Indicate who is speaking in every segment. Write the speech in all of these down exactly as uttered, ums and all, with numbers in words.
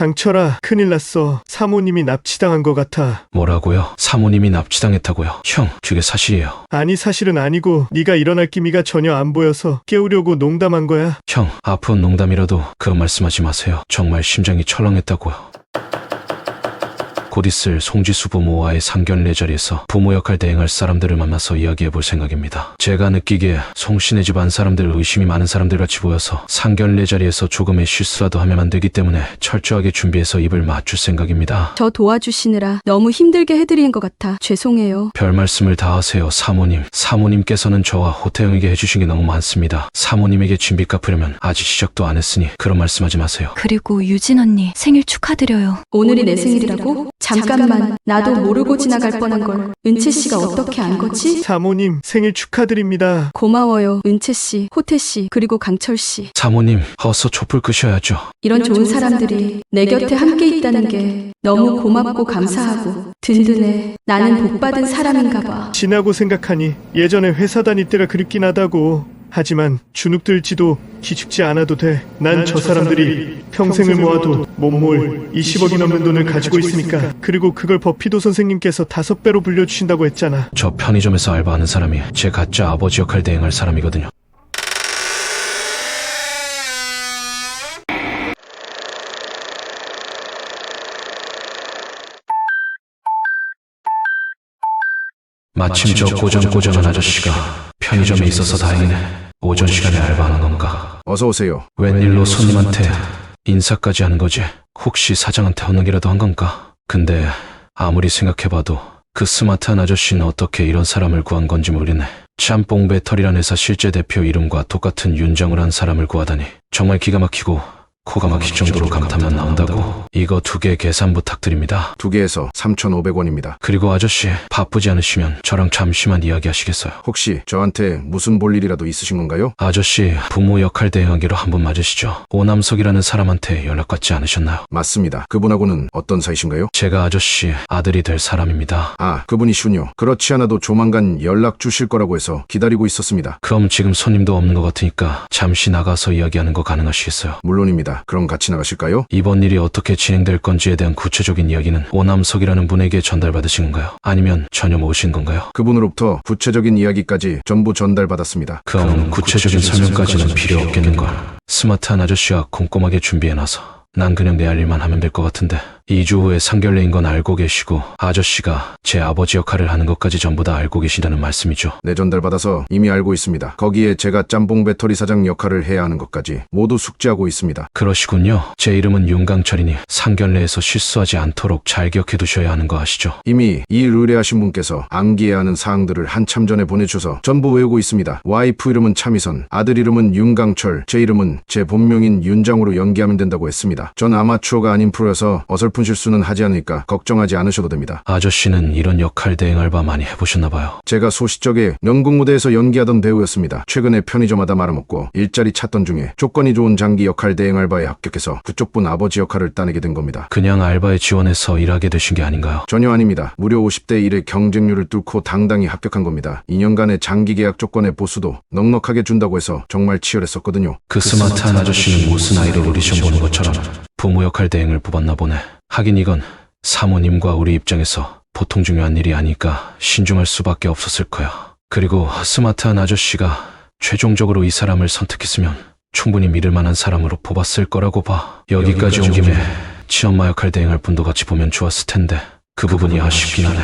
Speaker 1: 강철아, 큰일 났어. 사모님이 납치당한 것 같아.
Speaker 2: 뭐라고요? 사모님이 납치당했다고요? 형, 그게 사실이에요.
Speaker 1: 아니, 사실은 아니고 네가 일어날 기미가 전혀 안 보여서 깨우려고 농담한 거야.
Speaker 2: 형, 아픈 농담이라도 그런 말씀하지 마세요. 정말 심장이 철렁했다고요. 곧 있을 송지수 부모와의 상견례 자리에서 부모 역할 대행할 사람들을 만나서 이야기해 볼 생각입니다. 제가 느끼기에 송씨네 집안 사람들 의심이 많은 사람들 같이 보여서 상견례 자리에서 조금의 실수라도 하면 안 되기 때문에 철저하게 준비해서 입을 맞출 생각입니다.
Speaker 3: 저 도와주시느라 너무 힘들게 해드리는 것 같아 죄송해요.
Speaker 2: 별 말씀을 다 하세요, 사모님. 사모님께서는 저와 호태영에게 해주신 게 너무 많습니다. 사모님에게 진빚 갚으려면 아직 시작도 안 했으니 그런 말씀하지 마세요.
Speaker 4: 그리고 유진 언니 생일 축하드려요.
Speaker 3: 오늘이 내 생일이라고? 잠깐만, 나도 모르고 지나갈 뻔한 걸 은채 씨가 어떻게 안 거지?
Speaker 1: 사모님, 생일 축하드립니다.
Speaker 3: 고마워요, 은채 씨, 호태 씨, 그리고 강철 씨.
Speaker 2: 사모님, 어서 촛불 끄셔야죠.
Speaker 3: 이런 좋은 사람들이 내 곁에 함께 있다는 게 너무 고맙고 감사하고 든든해. 나는 복받은 사람인가 봐.
Speaker 1: 지나고 생각하니 예전에 회사 다닐 때가 그립긴 하다고. 하지만 주눅들지도 기죽지 않아도 돼. 난 저 사람들이 평생을 모아도 못 모을 이십억이 넘는 돈을 가지고 있으니까. 그리고 그걸 버피도 선생님께서 다섯 배로 불려주신다고 했잖아.
Speaker 2: 저 편의점에서 알바하는 사람이 제 가짜 아버지 역할 대행할 사람이거든요. 마침 저 꼬정꼬정한 아저씨가 편의점에 있어서 다행이네. 오전 시간에 알바하는 건가?
Speaker 5: 어서 오세요.
Speaker 2: 웬일로 손님한테 인사까지 하는 거지? 혹시 사장한테 허능이라도 한 건가? 근데 아무리 생각해봐도 그 스마트한 아저씨는 어떻게 이런 사람을 구한 건지 모르네. 짬뽕 배터리란 회사 실제 대표 이름과 똑같은 윤정을 한 사람을 구하다니 정말 기가 막히고 코가 막힐 정도로 감탄만 나온다고. 이거 두 개 계산 부탁드립니다.
Speaker 5: 두 개에서 삼천오백 원입니다.
Speaker 2: 그리고 아저씨, 바쁘지 않으시면 저랑 잠시만 이야기하시겠어요?
Speaker 5: 혹시 저한테 무슨 볼 일이라도 있으신 건가요?
Speaker 2: 아저씨, 부모 역할 대행하기로 한 분 맞으시죠? 오남석이라는 사람한테 연락받지 않으셨나요?
Speaker 5: 맞습니다. 그분하고는 어떤 사이신가요?
Speaker 2: 제가 아저씨 아들이 될 사람입니다.
Speaker 5: 아, 그분이시군요. 그렇지 않아도 조만간 연락 주실 거라고 해서 기다리고 있었습니다.
Speaker 2: 그럼 지금 손님도 없는 것 같으니까 잠시 나가서 이야기하는 거 가능하시겠어요?
Speaker 5: 물론입니다. 그럼 같이 나가실까요?
Speaker 2: 이번 일이 어떻게 진행될 건지에 대한 구체적인 이야기는 오남석이라는 분에게 전달받으신 건가요? 아니면 전혀 모르신 건가요?
Speaker 5: 그분으로부터 구체적인 이야기까지 전부 전달받았습니다.
Speaker 2: 그럼 구체적인 설명까지는 필요 없겠는걸. 스마트한 아저씨와 꼼꼼하게 준비해놔서 난 그냥 내 할 일만 하면 될 것 같은데. 이 주 후에 상견례인 건 알고 계시고 아저씨가 제 아버지 역할을 하는 것까지 전부 다 알고 계시다는 말씀이죠?
Speaker 5: 네, 전달받아서 이미 알고 있습니다. 거기에 제가 짬뽕 배터리 사장 역할을 해야 하는 것까지 모두 숙지하고 있습니다.
Speaker 2: 그러시군요. 제 이름은 윤강철이니 상견례에서 실수하지 않도록 잘 기억해 두셔야 하는 거 아시죠?
Speaker 5: 이미 이 일 의뢰하신 분께서 암기해야 하는 사항들을 한참 전에 보내주셔서 전부 외우고 있습니다. 와이프 이름은 차미선, 아들 이름은 윤강철, 제 이름은 제 본명인 윤장으로 연기하면 된다고 했습니다. 전 아마추어가 아닌 프로여서 어설픈 실수는 하지 않으니까 걱정하지 않으셔도 됩니다.
Speaker 2: 아저씨는 이런 역할 대행 알바 많이 해보셨나봐요.
Speaker 5: 제가 소시적에 연극 무대에서 연기하던 배우였습니다. 최근에 편의점마다 말아먹고 일자리 찾던 중에 조건이 좋은 장기 역할 대행 알바에 합격해서 그쪽 분 아버지 역할을 따내게 된 겁니다.
Speaker 2: 그냥 알바에 지원해서 일하게 되신 게 아닌가요?
Speaker 5: 전혀 아닙니다. 무려 오십 대 일의 경쟁률을 뚫고 당당히 합격한 겁니다. 이 년간의 장기 계약 조건의 보수도 넉넉하게 준다고 해서 정말 치열했었거든요.
Speaker 2: 그 스마트한 아저씨는 무슨 아이돌 오디션 보는 것처럼 부모 역할 대행을 뽑았나 보네. 하긴 이건 사모님과 우리 입장에서 보통 중요한 일이 아니까 신중할 수밖에 없었을 거야. 그리고 스마트한 아저씨가 최종적으로 이 사람을 선택했으면 충분히 믿을 만한 사람으로 뽑았을 거라고 봐. 여기까지 온 김에 친엄마 역할 대행할 분도 같이 보면 좋았을 텐데 그 부분이 아쉽긴 하네.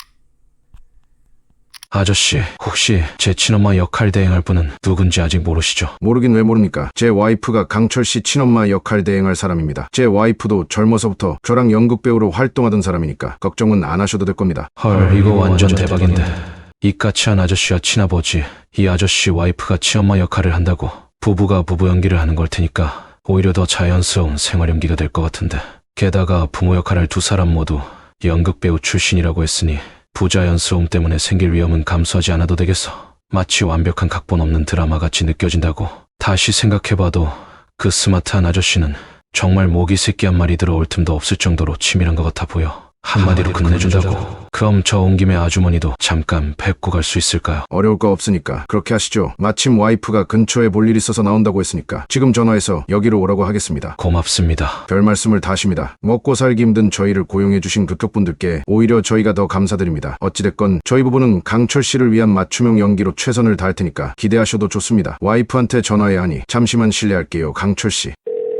Speaker 2: 아저씨, 혹시 제 친엄마 역할 대행할 분은 누군지 아직 모르시죠?
Speaker 5: 모르긴 왜 모릅니까? 제 와이프가 강철씨 친엄마 역할 대행할 사람입니다. 제 와이프도 젊어서부터 저랑 연극배우로 활동하던 사람이니까 걱정은 안 하셔도 될 겁니다.
Speaker 2: 헐, 이거 완전 대박인데. 이까치한 아저씨와 친아버지, 이 아저씨 와이프가 친엄마 역할을 한다고 부부가 부부 연기를 하는 걸 테니까 오히려 더 자연스러운 생활 연기가 될 것 같은데. 게다가 부모 역할을 두 사람 모두 연극배우 출신이라고 했으니 부자연스러움 때문에 생길 위험은 감수하지 않아도 되겠어. 마치 완벽한 각본 없는 드라마같이 느껴진다고. 다시 생각해봐도 그 스마트한 아저씨는 정말 모기 새끼 한 마리 들어올 틈도 없을 정도로 치밀한 것 같아 보여. 한마디로 끝내준다고. 그럼 저 온 김에 아주머니도 잠깐 뵙고 갈 수 있을까요?
Speaker 5: 어려울 거 없으니까 그렇게 하시죠. 마침 와이프가 근처에 볼 일 있어서 나온다고 했으니까 지금 전화해서 여기로 오라고 하겠습니다.
Speaker 2: 고맙습니다.
Speaker 5: 별 말씀을 다 하십니다. 먹고 살기 힘든 저희를 고용해주신 그쪽분들께 오히려 저희가 더 감사드립니다. 어찌됐건 저희 부부는 강철 씨를 위한 맞춤형 연기로 최선을 다할 테니까 기대하셔도 좋습니다. 와이프한테 전화해야 하니 잠시만 실례할게요. 강철 씨.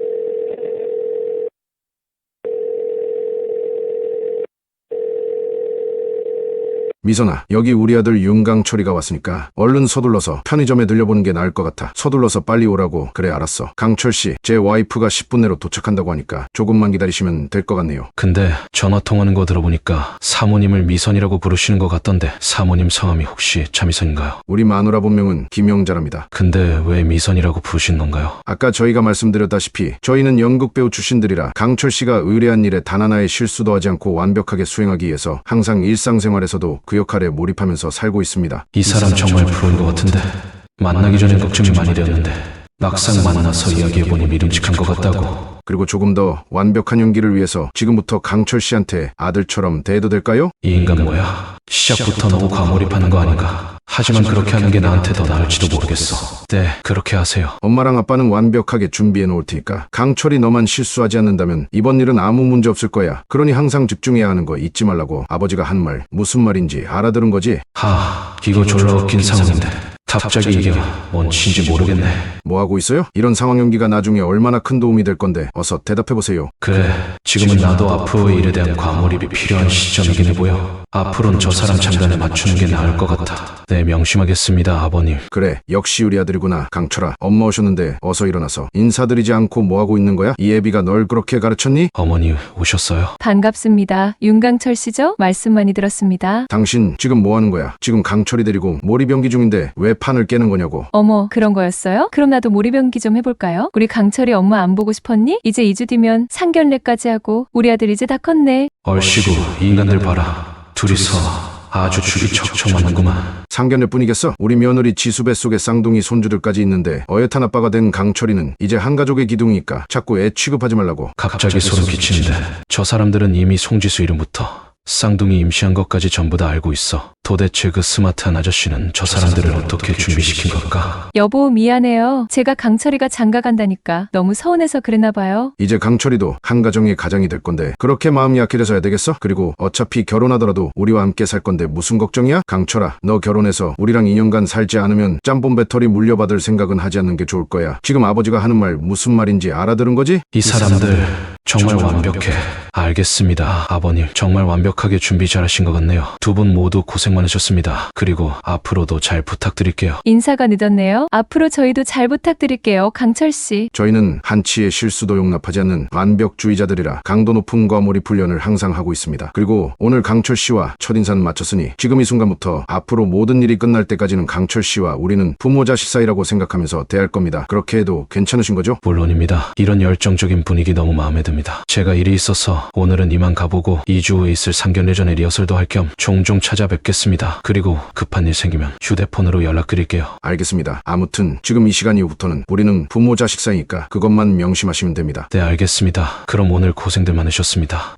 Speaker 5: 미선아, 여기 우리 아들 윤강철이가 왔으니까 얼른 서둘러서 편의점에 들려보는 게 나을 것 같아. 서둘러서 빨리 오라고. 그래, 알았어. 강철씨, 제 와이프가 십 분 내로 도착한다고 하니까 조금만 기다리시면 될 것 같네요.
Speaker 2: 근데 전화 통하는 거 들어보니까 사모님을 미선이라고 부르시는 것 같던데 사모님 성함이 혹시 차미선인가요?
Speaker 5: 우리 마누라 본명은 김영자랍니다.
Speaker 2: 근데 왜 미선이라고 부르신 건가요?
Speaker 5: 아까 저희가 말씀드렸다시피 저희는 연극배우 출신들이라 강철씨가 의뢰한 일에 단 하나의 실수도 하지 않고 완벽하게 수행하기 위해서 항상 일상생활에서도 그 역할에 몰입하면서 살고 있습니다.
Speaker 2: 이 사람 정말 프로인 것 같은데 만나기 전엔 걱정이 많이 되었는데 막상 만나서 이야기해보니 믿음직한 것 같다고.
Speaker 5: 그리고 조금 더 완벽한 연기를 위해서 지금부터 강철씨한테 아들처럼 대해도 될까요?
Speaker 2: 이 인간 뭐야? 시작부터 너무 과몰입하는 거 아닌가? 하지만 그렇게 하는 게 나한테 더 나을지도 모르겠어. 네, 그렇게 하세요.
Speaker 5: 엄마랑 아빠는 완벽하게 준비해 놓을 테니까 강철이 너만 실수하지 않는다면 이번 일은 아무 문제 없을 거야. 그러니 항상 집중해야 하는 거 잊지 말라고. 아버지가 한 말 무슨 말인지 알아들은 거지?
Speaker 2: 하, 이거 졸라 웃긴 상황인데 갑자기 이게 뭔지 모르겠네.
Speaker 5: 뭐하고 있어요? 이런 상황 연기가 나중에 얼마나 큰 도움이 될 건데 어서 대답해보세요.
Speaker 2: 그래, 지금은 나도 앞으로의 일에 대한 과몰입이 필요한 시점이긴 해 보여. 앞으로는 저 사람 장단에 맞추는 게 나을 것 같아. 네, 명심하겠습니다, 아버님.
Speaker 5: 그래, 역시 우리 아들이구나. 강철아, 엄마 오셨는데 어서 일어나서 인사드리지 않고 뭐하고 있는 거야? 이 애비가 널 그렇게 가르쳤니?
Speaker 2: 어머니 오셨어요?
Speaker 6: 반갑습니다. 윤강철 씨죠? 말씀 많이 들었습니다.
Speaker 5: 당신 지금 뭐하는 거야? 지금 강철이 데리고 몰입 연기 중인데 왜 판을 깨는 거냐고.
Speaker 6: 어머, 그런 거였어요? 그럼 나도 몰입 연기 좀 해볼까요? 우리 강철이 엄마 안 보고 싶었니? 이제 이 주 뒤면 상견례까지 하고 우리 아들 이제 다 컸네.
Speaker 2: 얼씨구, 이 인간들 봐라. 둘이서 아주 죽이 척척 맞는구만.
Speaker 5: 상견례 뿐이겠어? 우리 며느리 지수 뱃속에 쌍둥이 손주들까지 있는데 어엿한 아빠가 된 강철이는 이제 한 가족의 기둥이니까 자꾸 애 취급하지 말라고.
Speaker 2: 갑자기 소름 끼치는데 저 사람들은 이미 송지수 이름부터 쌍둥이 임시한 것까지 전부 다 알고 있어. 도대체 그 스마트한 아저씨는 저 사람들을 어떻게 준비시킨 걸까?
Speaker 6: 여보, 미안해요. 제가 강철이가 장가 간다니까 너무 서운해서 그랬나 봐요.
Speaker 5: 이제 강철이도 한 가정의 가장이 될 건데 그렇게 마음이 약해져서야 되겠어? 그리고 어차피 결혼하더라도 우리와 함께 살 건데 무슨 걱정이야? 강철아, 너 결혼해서 우리랑 이 년간 살지 않으면 짬뽕 배터리 물려받을 생각은 하지 않는 게 좋을 거야. 지금 아버지가 하는 말 무슨 말인지 알아들은 거지?
Speaker 2: 이 사람들 정말 완벽해. 알겠습니다, 아버님. 정말 완벽하게 준비 잘하신 것 같네요. 두 분 모두 고생 많으셨습니다. 그리고 앞으로도 잘 부탁드릴게요.
Speaker 6: 인사가 늦었네요. 앞으로 저희도 잘 부탁드릴게요, 강철 씨.
Speaker 5: 저희는 한치의 실수도 용납하지 않는 완벽주의자들이라 강도 높은 과몰입 훈련을 항상 하고 있습니다. 그리고 오늘 강철 씨와 첫인사는 마쳤으니 지금 이 순간부터 앞으로 모든 일이 끝날 때까지는 강철 씨와 우리는 부모 자식 사이라고 생각하면서 대할 겁니다. 그렇게 해도 괜찮으신 거죠?
Speaker 2: 물론입니다. 이런 열정적인 분위기 너무 마음에 듭니다. 제가 일이 있어서 오늘은 이만 가보고 이 주 후에 있을 상견례 전에 리허설도 할 겸 종종 찾아뵙겠습니다. 그리고 급한 일 생기면 휴대폰으로 연락드릴게요.
Speaker 5: 알겠습니다. 아무튼 지금 이 시간 이후부터는 우리는 부모 자식 사이니까 그것만 명심하시면 됩니다.
Speaker 2: 네, 알겠습니다. 그럼 오늘 고생들 많으셨습니다.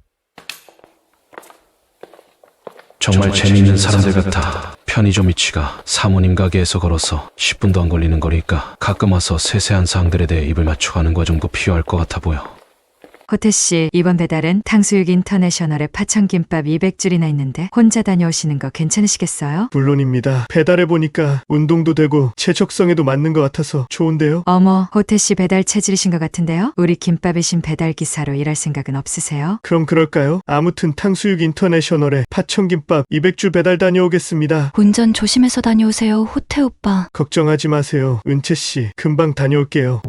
Speaker 2: 정말 재미있는 사람들 같아. 편의점 위치가 사모님 가게에서 걸어서 십 분도 안 걸리는 거리니까 가끔 와서 세세한 사항들에 대해 입을 맞춰가는 과정도 필요할 것 같아 보여.
Speaker 7: 호태씨, 이번 배달은 탕수육 인터내셔널에 파천김밥 이백 줄이나 있는데 혼자 다녀오시는 거 괜찮으시겠어요?
Speaker 1: 물론입니다. 배달해보니까 운동도 되고 체적성에도 맞는 것 같아서 좋은데요.
Speaker 7: 어머, 호태씨 배달 체질이신 것 같은데요? 우리 김밥이신 배달기사로 일할 생각은 없으세요?
Speaker 1: 그럼 그럴까요? 아무튼 탕수육 인터내셔널에 파천김밥 이백 줄 배달 다녀오겠습니다.
Speaker 4: 운전 조심해서 다녀오세요, 호태 오빠.
Speaker 1: 걱정하지 마세요. 은채씨, 금방 다녀올게요.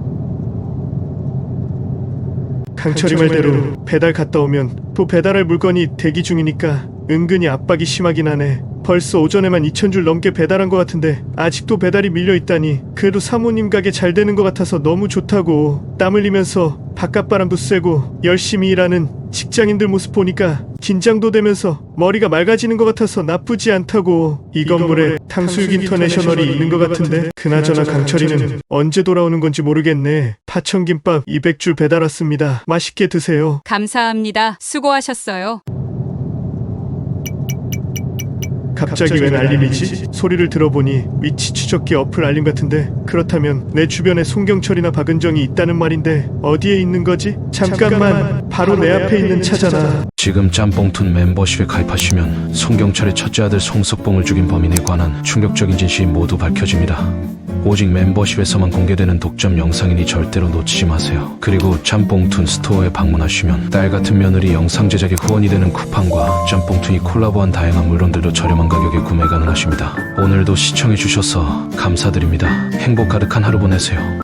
Speaker 1: 강철이 말대로 배달 갔다 오면 또 배달할 물건이 대기 중이니까 은근히 압박이 심하긴 하네. 벌써 오전에만 이천 줄 넘게 배달한 것 같은데 아직도 배달이 밀려있다니. 그래도 사모님 가게 잘 되는 것 같아서 너무 좋다고. 땀 흘리면서 바깥바람도 쐬고 열심히 일하는 직장인들 모습 보니까 긴장도 되면서 머리가 맑아지는 것 같아서 나쁘지 않다고. 이 건물에 탕수육 인터내셔널이 있는 것 같은데 그나저나 강철이는 언제 돌아오는 건지 모르겠네. 파천김밥 이백 줄 배달 왔습니다. 맛있게 드세요.
Speaker 8: 감사합니다. 수고하셨어요.
Speaker 1: 갑자기 웬 알림이지? 소리를 들어보니 위치 추적기 어플 알림 같은데 그렇다면 내 주변에 송경철이나 박은정이 있다는 말인데 어디에 있는 거지? 잠깐만, 바로 내 앞에 있는 차잖아.
Speaker 2: 지금 짬뽕툰 멤버십에 가입하시면 송경철의 첫째 아들 송석봉을 죽인 범인에 관한 충격적인 진실이 모두 밝혀집니다. 오직 멤버십에서만 공개되는 독점 영상이니 절대로 놓치지 마세요. 그리고 짬뽕툰 스토어에 방문하시면 딸 같은 며느리 영상 제작에 후원이 되는 쿠팡과 짬뽕툰이 콜라보한 다양한 물건들도 저렴한 가격에 구매 가능하십니다. 오늘도 시청해주셔서 감사드립니다. 행복 가득한 하루 보내세요.